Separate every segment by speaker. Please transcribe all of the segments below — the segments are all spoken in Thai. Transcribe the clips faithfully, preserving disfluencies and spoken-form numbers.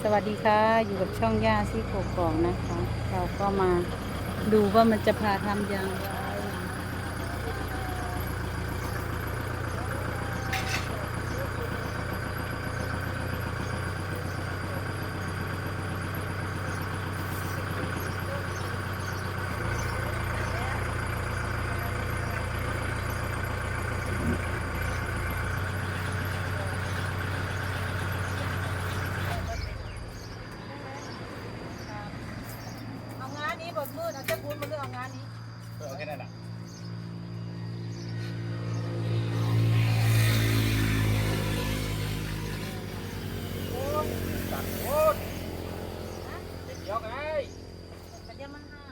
Speaker 1: สวัสดีค่ะอยู่กับช่องย่าซี่โกกองนะคะ เราก็มาดูว่ามันจะพาทำอย่างไรเอางานนี้บดมืดเอาเจ้าคุณมาเลือกเอางานนี้
Speaker 2: เออแค่นั้นแหละโอ้ยสั่นโอ้ยเด็กเดียวไง
Speaker 1: กระเจี๊ยบมันห้า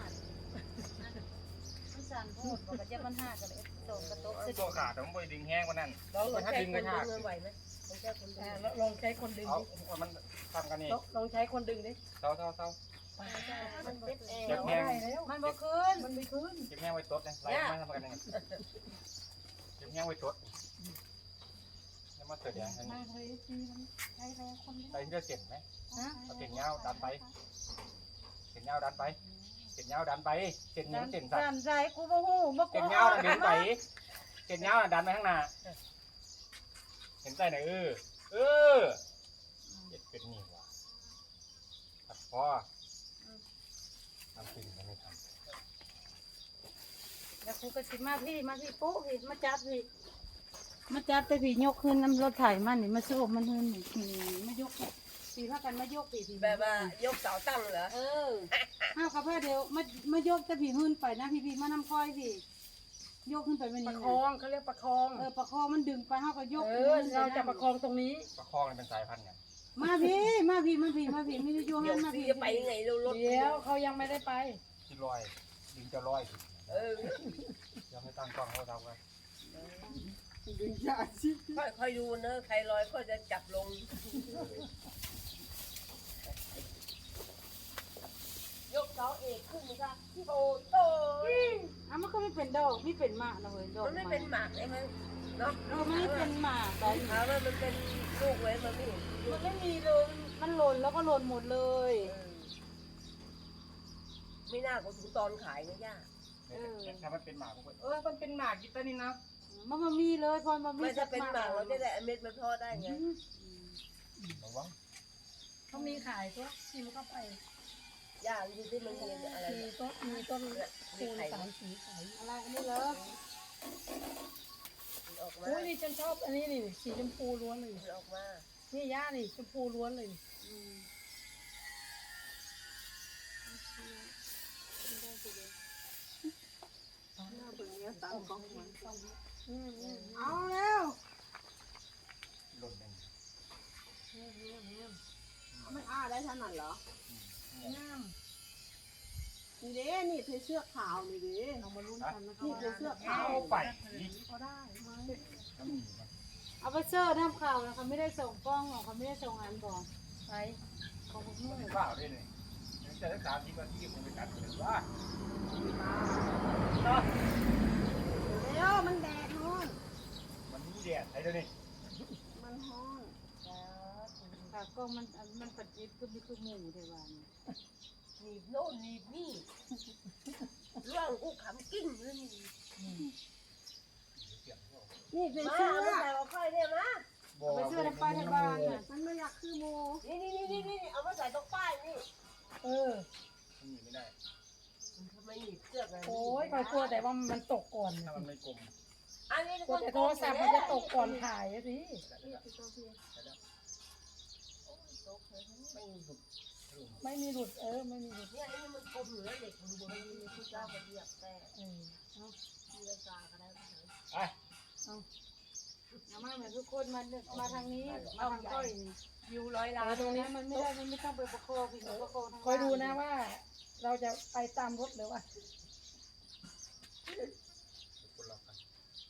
Speaker 1: มันสั่นโพดบอกกระเจี๊ยบมันห้ากันเลยโตกระโต๊ะเสร็จ
Speaker 2: ตัวขาดแต่มันไปดึงแห้งกว่านั้น
Speaker 3: ลอง
Speaker 2: ถ้า
Speaker 3: ใช้
Speaker 2: ดึง
Speaker 3: ค
Speaker 2: ก็
Speaker 3: น
Speaker 2: ขาด
Speaker 3: ดึงไหวไหมลองใช้คนดึงลองใช้คนดึง
Speaker 2: เอา
Speaker 3: ดิ
Speaker 2: มันทำกันนี่
Speaker 3: ลองใช้คนดึงดิ
Speaker 2: เศร้าเศร้าเศร้า
Speaker 3: มันเจ็บแอ
Speaker 2: เจ็บ
Speaker 3: ว
Speaker 2: แห้ง
Speaker 1: มันบ่คืน
Speaker 3: มันไม่ขึ้น
Speaker 2: เก็บแห้งไว้ตดนะไล่มาทำกันยังไงเก็บแห้งไว้ตดแล้วมาเกิดอย่างนี้
Speaker 3: ใช้แรงคน
Speaker 2: ไปที่เราเจ็บไหม
Speaker 1: ฮะ
Speaker 2: เอาเส้นยาวดันไปเส้นยาวดันไปเส้นยาวดันไปเส้นนี้เส้นสั้น
Speaker 1: สั่นใจกูบ่ฮู้บ่กู
Speaker 2: เส้นยาวดันไปเส้นยาวดันไปข้างหน้าเห็นใจไหนเออเออเจ็บเป็นนี่ว่ะตัดคอทำสิ่งที่ไม่ทำ
Speaker 1: แล้วกูก็สิมาพี่มาพี่ปุ๊พี่มาจับพี่มาจับแต่พี่ยกขึ้นน้ำรถไถมันนี่มาโซ่มันเฮินนี่มายกพี่พากันมายกพี่พี่
Speaker 3: แบบว่ายกเสาตั้งเหรอ
Speaker 1: เออห้าวกับพ่อเดียวมามายกแต่พี่หื้นไปนะพี่พี่มานำคอยพี่ยกขึ้นไปไม่
Speaker 3: ประ
Speaker 1: นี่
Speaker 3: คองเขาเรียกประคอง
Speaker 1: เออประคองมันดึงไปห้าวก็ยก
Speaker 3: เออเราจะประคองตรงนี้
Speaker 2: ประคองเป็นสายพันธุ์ไง
Speaker 1: มาพี่มาพี่มาพี่มาพี่ไม่ได้โยง
Speaker 3: เดี๋ยว
Speaker 1: มา
Speaker 3: ซี
Speaker 1: พี่
Speaker 3: จะไปยังไงเราลด
Speaker 4: เดี๋ยวเขายังไม่ได้ไป
Speaker 2: ที่ลอยดึงจะลอย
Speaker 3: เออ
Speaker 2: ยังไม่ตั้งกล้องเขาทำกัน
Speaker 3: ค่อยค่อยดูเนอะใครลอยก็จะจับลงยกเสาเอกขึ้นนะคะโตโต
Speaker 1: อ่ะมันก็ไม่เป็นดอกไม่เป็นหมากนะเว้ยดอก
Speaker 3: มันไม่เป็นหมากใช่ไหมเนาะ
Speaker 1: เออมันไม่เป็นหมากแต่
Speaker 3: ถามว่ามันเป็นลูกไว้มันไม่เห็น
Speaker 1: มันไม่มีเลยมันหล่นแล้วก็หล่นหมดเลย
Speaker 3: เออไม่น่าเขาถึงตอนขายนะย่า
Speaker 2: ถ้ามันเป็นหมากผมก็
Speaker 4: เออมันเป็นหมากกิตานี่นะ
Speaker 1: มันมันมีเลยพอมันมี
Speaker 3: ไม่ถ้าเป็นหมากเราจะได้เม็ดมันทอดได้ไง
Speaker 2: ระวัง
Speaker 4: เขามีขายตัวชิมเข้าไป
Speaker 3: ย่าดูที่มันมีอะไร
Speaker 4: มีต้นมีต้น
Speaker 3: มี
Speaker 4: คูณ
Speaker 3: ไข่
Speaker 4: สามสีขาย
Speaker 1: อะไรอันนี้เหรอ
Speaker 3: ออกมา
Speaker 4: โอ้ยนี่ฉันชอบอันนี้นี่สีชมพูล้วนเลย
Speaker 3: ออกมา
Speaker 4: นี่ย่านี่ชมพูล้วนเลย
Speaker 1: อืม
Speaker 4: อืมอืม
Speaker 1: เอาแล้ว
Speaker 2: หล่นเอง
Speaker 5: มันอ้าได้ขนาดเหรอ
Speaker 4: งาม
Speaker 5: นี่เด้นี่เธอเสื้อขาวนี่เด้
Speaker 1: เอามาลุ้นกันนะ
Speaker 5: นี่เธอเสื้อขาว
Speaker 2: เอาไปอีก
Speaker 5: ก็ได้ไหม
Speaker 1: เอาไปเซอร์ทำข่าวนะเขาไม่ได้ส่งกล้องหรอกเขาไม่ได้ส่งงานบอก
Speaker 4: ไป
Speaker 1: ของพวกนู้น
Speaker 2: ข้าวด้วยนี่จะรักษาที่บ้านที่ผมไปกัดเลยว่า
Speaker 5: เดี๋ยวมันแดดฮ้อน
Speaker 2: มันมีแดดไอ้เดี๋ยวนี้
Speaker 5: มันฮ้อน
Speaker 1: ค่ะกล้องมันมันปัดยิบก็มีคือหมูเทวาน
Speaker 3: หนีบโน่นหนีบนี่เรื่องกูขำกิ้งเลยนี่
Speaker 5: นี่เธอ
Speaker 3: มา
Speaker 5: เสื้อ
Speaker 3: เอามาใส่เอาค่อยเนี่ยมา
Speaker 1: ไปเสื้อทำป้ายทำบ้านน่ะ
Speaker 5: มันไม่อยากคือโม
Speaker 3: นี่นี่นี่นี่นี่เอามาใส่ตรงป้ายนี่
Speaker 4: เออ
Speaker 2: มันหนีไม่ได้
Speaker 3: ทำไมหนีบเสื้อกัน
Speaker 4: โอ้ยคอยกลัวแต่ว่ามันตกก่อน
Speaker 2: ถ้ามันไม่กลม
Speaker 3: อันนี้
Speaker 4: กลัวแต่โทรศัพท์มันจะตกก่อนถ่ายอะสิ
Speaker 2: ไม่หลุด
Speaker 4: ไม่มีหลุดเออไม่มีหลุด
Speaker 3: เนี่ยนี่มันกลมเหลือเด็กมันบนนี้มีผู้เจ้ามาเรียกแต่
Speaker 4: เออ
Speaker 3: มีรายการก็ได้ไหม
Speaker 2: ไอ้
Speaker 1: เอามาเหมือนทุกคนมามาทางนี้มาทางก้อยนี่
Speaker 3: อยู่ร้อย
Speaker 1: แต่
Speaker 3: ล้าน
Speaker 1: ตรงนี้มันไม่ได้มันไม่ต้องไปประคองพี่ประคองทาง
Speaker 4: คอยดูนะว่า เราจะไปตามรถหรือว่า
Speaker 2: คนละกัน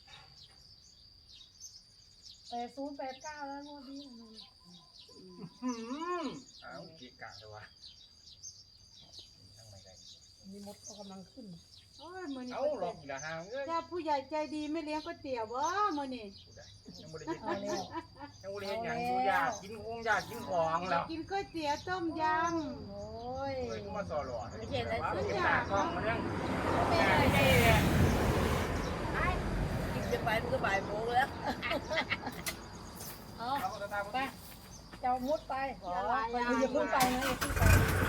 Speaker 4: แปดศูนย์แปดเก้าแล้วงวดนี้
Speaker 2: หืมอ้าวกีกะเลยวะทั้งไม่ได้
Speaker 4: มีมดก็กำลังขึ้น
Speaker 1: เโอ้ยมื้อนี้
Speaker 2: เอาหลอกอีกละห่างเอ้ย
Speaker 1: ถ้าผู้ใหญ่ใจดีไม่เลี้ยงก๋วยเตี๋ยวบ่มื้อนี้
Speaker 2: ยังบ่ได้เฮ็ด
Speaker 4: เอา
Speaker 2: ห
Speaker 4: แล้
Speaker 2: ยัง
Speaker 4: ว
Speaker 2: ยังบ่ได้เฮ็ดหยังอยู่อยากกินคงอยากกินของแล้ว
Speaker 1: กินก๋วยเตี๋ยวต้มย
Speaker 4: โอ้ย
Speaker 2: เฮ้ยกูมาสอหลอด
Speaker 3: ไม่ใช่อะไร
Speaker 2: ว่า
Speaker 3: ซื้
Speaker 2: เป็
Speaker 3: อน
Speaker 2: หน้ากล้องมันยัง
Speaker 3: ไม่
Speaker 2: แม่
Speaker 3: ได้
Speaker 2: นี่เนี่ย
Speaker 3: กินจะไปมันก็บ่ายโมงแล้ว
Speaker 4: เอา
Speaker 2: เอาตาตา
Speaker 4: ไปเจ้ามุดไป
Speaker 3: ขอ
Speaker 4: อย่าเพิ่งไปนะอย่าเพิ่งไป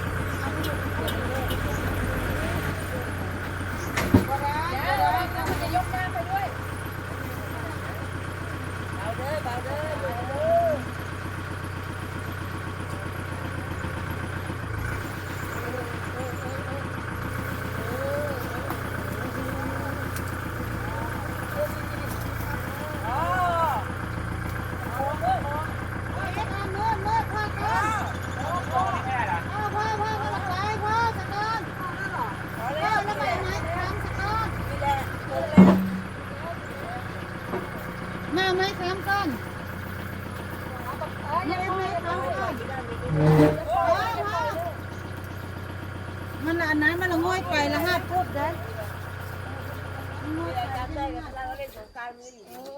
Speaker 1: ำบ่ได้
Speaker 4: เดี๋ยวเราเราจะยกหน้าไปด้วย
Speaker 3: เบาเด้อเบาเด้อเบาเด้อ
Speaker 1: เฮ้ยเอามืดมืดพ่อก่อน
Speaker 2: พ่อนี่แม่ล่ะ
Speaker 1: พ่อพ่อพ่อพ่อหลับไปพ่อสะก้อน
Speaker 3: พอ
Speaker 1: พ่
Speaker 3: แล้
Speaker 1: อ
Speaker 3: ว
Speaker 1: แล้วไปไหนทางสะก้อน
Speaker 3: นี่แหละเปิดแล้ว
Speaker 1: มาไหมสามก้อน
Speaker 4: เอออย่าไปอย่าไป
Speaker 1: มันละอันนั้นมันละง่อยไปละห้าพุดเด้อ
Speaker 3: จำได้กันแล้วเล่นสงการมืออยู่
Speaker 4: เออ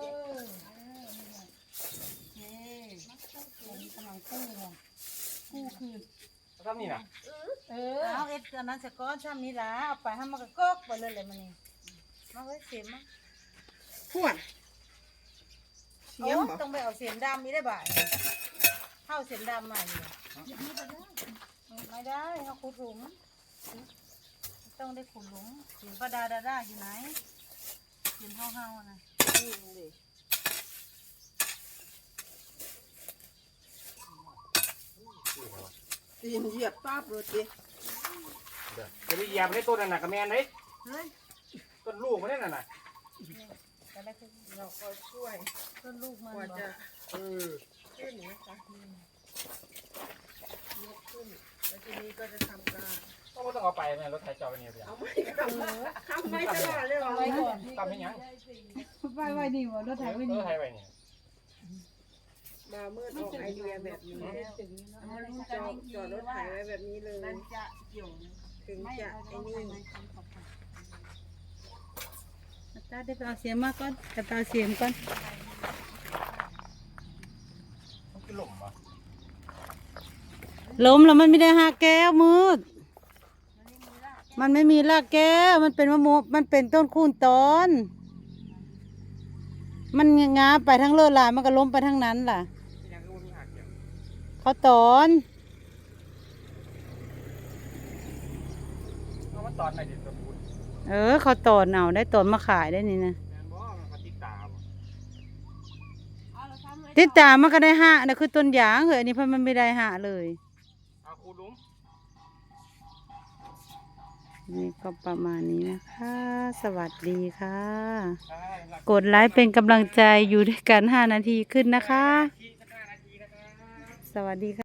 Speaker 4: เออโอเคกำลังกู้ก่อนกู้คืน
Speaker 2: ทำนี่น่ะ
Speaker 4: เออ
Speaker 1: เอาเอ็ดอันนั้นสะก้อนซ้ำนี้ละเอาไปให้มันก็กกไปเลยเลยมันนี่มาไว้เสียมมา
Speaker 5: พวดเสียม
Speaker 1: โอ้
Speaker 5: บ่
Speaker 1: ต้องไปเอาเสียมดำนี่ได้บ่ายเข้าเสียมดำมาอยู่ไม่ได้เขาขุดหลุมต้องได้ขุดหลุมเสียมประดาดาดาอยู่ไหนเสียมเฮาเฮาๆนะ
Speaker 3: นี่เลย
Speaker 5: ตีนเหยียบปั๊บเลยติ
Speaker 2: เดี๋ยวจะไปเหยียบในต้นนั่นน่ะกับแม่นเด้
Speaker 1: เฮ้ย
Speaker 2: ต้นลูกมันนี่น่ะน่ะ
Speaker 1: อะไรคือ
Speaker 5: เราก็ช่วย
Speaker 1: ต้นลูกมัน
Speaker 5: กว่า
Speaker 1: บอก
Speaker 5: จะ
Speaker 2: เออ
Speaker 5: ขึ้นนะคะยกขึ้นแล้วทีนี้ก็จะทำการ
Speaker 2: ก็บ่ต้องเอาไปแม่รถไถจอดไปนี่ไปยัง
Speaker 5: เอาไม่ทำทำไม่ตลอดเลยเหรอ
Speaker 4: ไว้ก่อน
Speaker 2: ทำให้หยัง
Speaker 1: ไปไว้นี่บ่รถไถไว้
Speaker 2: เอ
Speaker 1: นี่
Speaker 2: อไถไว้นี่
Speaker 5: มามืดออกไอเดียแบบนี้
Speaker 1: ถึงเนาะ
Speaker 5: จอดจอดรถไถไว้แบบนี้เลย
Speaker 1: มันจะเกี่ยว
Speaker 5: ถึง
Speaker 1: ไม่
Speaker 5: จะ
Speaker 1: เอา
Speaker 5: ไอ้
Speaker 1: ไอ้
Speaker 5: นี่
Speaker 1: นี่ตาได้ไปเอาเสียมมาก่อนกระตาเสียมก่อน
Speaker 2: มันคือหล่มบ่
Speaker 1: ล้มแล้วมันไม่ได้หาแก้วมืด มันไม่มีรากแก้ว มันเป็นมะม่วงมันเป็นต้นคูณตอน มันงาไปทั้งเลือดลายมันก็ล้มไปทั้งนั้นล่ะ
Speaker 2: ที่ยังคือบ่มีหักเกี่ยว
Speaker 1: เขาตอน
Speaker 2: เอามันตอนไหนดิต้นคุณ
Speaker 1: เออ เขาตอนเอาได้ตอนมาขายได้นี่นะ
Speaker 2: แม่นบ่มันเขาติดตาบ่
Speaker 3: เอาเราทำไว้
Speaker 1: ติดตามมันก็ได้ห้านะคือต้นยางเหรออันนี้เพิ่นมันไม่ได้ห้าเลย
Speaker 2: เอาคูหลุม
Speaker 1: นี่ก็ประมาณนี้นะคะ สวัสดีค่ะ
Speaker 2: ใช่หลัก
Speaker 1: กดไลค์เป็นกำลังใจอยู่ด้วยกันห้านาทีขึ้นนะคะ
Speaker 2: ที่สักห้านาทีนะครับ
Speaker 1: สวัสดีค่ะ